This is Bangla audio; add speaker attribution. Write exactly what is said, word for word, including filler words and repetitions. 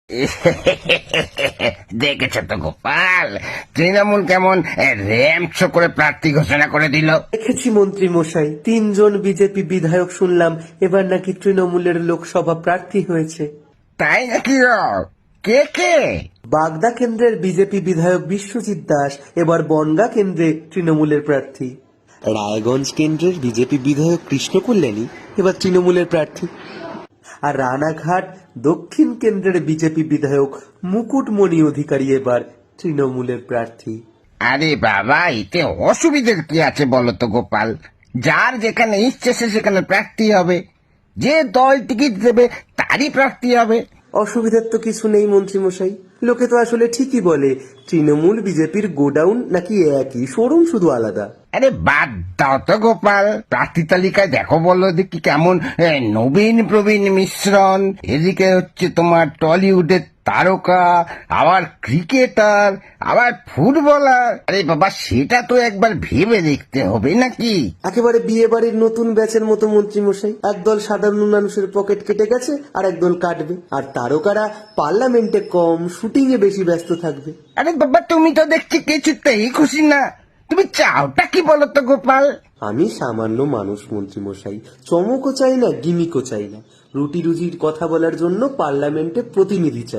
Speaker 1: দেখেছ তো গোপাল, তৃণমূল কেমন র্যাম্প করে প্রার্থী ঘোষণা করে দিল।
Speaker 2: দেখেছি মন্ত্রী মশাই, তিনজন বিজেপি বিধায়ক শুনলাম এবার নাকি তৃণমূলের লোকসভা প্রার্থী হয়েছে।
Speaker 1: তাই নাকি? কে কে?
Speaker 2: বাগদা কেন্দ্রের বিজেপি বিধায়ক বিশ্বজিৎ দাস এবার বনগাঁ কেন্দ্রে তৃণমূলের প্রার্থী। রায়গঞ্জ কেন্দ্রের বিজেপি বিধায়ক কৃষ্ণ কল্যাণী এবার তৃণমূলের প্রার্থী। আর রানাঘাট দক্ষিণ কেন্দ্রের বিজেপি বিধায়ক মুকুটমণি অধিকারী এবার তৃণমূলের প্রার্থী।
Speaker 1: আরে বাবা, এতে অসুবিধার কি আছে বলতো গোপাল? যার যেখানে ইচ্ছে সে সেখানে প্রার্থী হবে, যে দল টিকিট দেবে তারই প্রার্থী হবে।
Speaker 2: অসুবিধার তো কিছু নেই মন্ত্রী মশাই, লোকে তো আসলে ঠিকই বলে তৃণমূল বিজেপির গোডাউন নাকি একই, শোরুম শুধু আলাদা।
Speaker 1: আরে বাদ দাও তো গোপাল, প্রার্থী তালিকায় দেখো বলো দেখি কেমন এ, নবীন প্রবীণ মিশ্রণ। এদিকে হচ্ছে তোমার টলিউডের তারকা, আবার ক্রিকেটার, আবার ফুটবলার। আরে বাবা, সেটা তো একবার ভেবে দেখতে হবে নাকি?
Speaker 2: একেবারে বিয়ে বাড়ির নতুন ব্যাচের মতো মন্ত্রী মশাই, একদল সাধারণ মানুষের পকেট কেটে গেছে আর একদল কাটবে, আর তারকারা পার্লামেন্টে কম, শুটিং এ বেশি ব্যস্ত থাকবে।
Speaker 1: আরে বাবা, তুমি তো দেখছি কিছুতেই খুশি না। তুমি চাওটা কি বলো তো গোপাল?
Speaker 2: আমি সামান্য মানুষ মন্ত্রী মশাই, চমকও চাই না, গিমিকও চাই না, রুটি রুজির কথা বলার জন্য পার্লামেন্টে প্রতিনিধি চাই।